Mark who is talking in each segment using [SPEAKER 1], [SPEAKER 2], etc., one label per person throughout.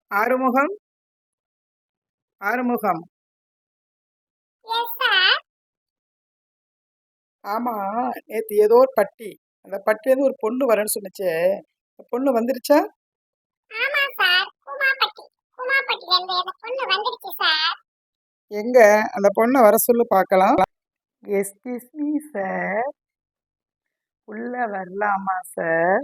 [SPEAKER 1] ஆறுமுகம் ஆறுமுகம். ஆமா, நேத்து ஏதோ ஒரு பட்டி, அந்த பட்டிலேருந்து ஒரு பொண்ணு வரேன்னு சொன்னுச்சே, அந்த பொண்ணு வந்துருச்சா?
[SPEAKER 2] ஆமா சார். கூமாப்பட்டில இருந்து அந்த பொண்ணு வந்துருச்சு சார்.
[SPEAKER 1] எங்க அந்த பொண்ணை வர சொல்லு பார்க்கலாம். எஸ்கியூஸ் மீ சார், உள்ள வரலாமா சார்?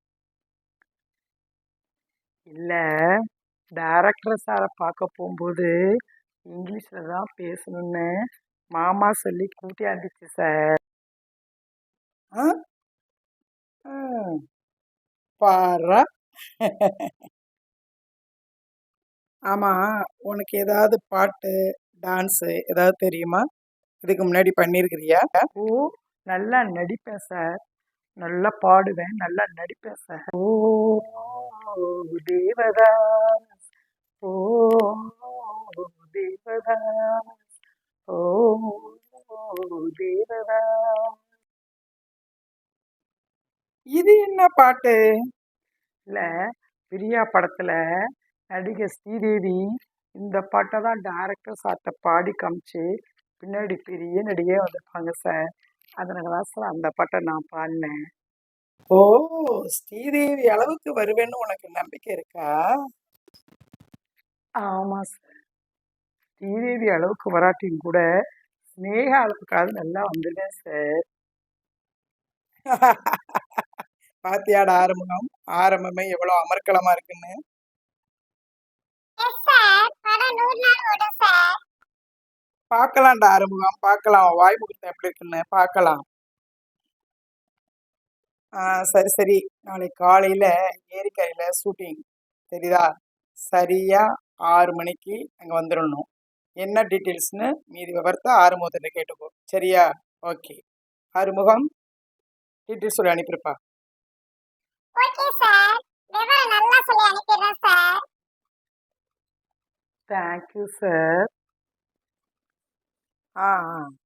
[SPEAKER 1] இல்ல, டைரக்டர் சாரை பார்க்க போகும்போது இங்கிலீஷ்ல தான் பேசணும்னு மாமா சொல்லி கூட்டியாந்துச்சு சார். ஆ பாரா. ஆமா, உனக்கு ஏதாவது பாட்டு, டான்ஸு ஏதாவது தெரியுமா? இதுக்கு முன்னாடி பண்ணியிருக்கிறியா? ஓ, நல்லா நடிப்பேன் சார். நல்லா பாடுவேன், நல்லா நடிப்பேன் சார். ஓ தேவதா, ஓ தேவதா, ஓ தேவதா. இது என்ன பாட்டு? இல்ல, பிரியா படத்துல நடிகை ஸ்ரீதேவி இந்த பாட்டை தான் டைரக்டர் சார்ட்ட பாடி காமிச்சு பின்னாடி பெரிய நடிகை வந்திருப்பாங்க சார். அதனால தான் சார் அந்த பாட்டை நான் பாடினேன். ஓ, ஸ்ரீதேவி அளவுக்கு வருவேன்னு உனக்கு நம்பிக்கை இருக்கா? ஆமா சார், ஸ்ரீதேவி அளவுக்கு வராட்டியும் கூட ஸ்னேகா அளவுக்காவது நல்லா வந்துடுவேன் சார். பாத்தியாட ஆரம்பம், ஆரம்பமே எவ்வளவு அமர்க்களமா இருக்குன்னு.
[SPEAKER 2] Yes sir. படம் 100 நாள் ஓடும் சார்.
[SPEAKER 1] பார்க்கலாம்டா ஆறுமுகம், பார்க்கலாம். வாய் முகூர்த்தம் எப்படி இருக்குன்னு பார்க்கலாம். சரி சரி, நாளைக்கு காலையில ஏரிக்கரையில ஷூட்டிங், தெரியுதா? சரியா 6 மணிக்கு அங்க வந்துடணும். என்ன டீட்டெயில்ஸ்னு மீதி விவரத்தை ஆறுமுகத்திட்ட கேட்டுக்கோ, சரியா? ஓகே, ஆறுமுகம் டீட்டெயில்ஸ் சொல்லி அனுப்பியிருப்பா.
[SPEAKER 2] Okay sir. விவரம் நல்லா சொல்லி அனுப்பிடுறேன் சார்.
[SPEAKER 1] Thank you sir. ஆ ஆ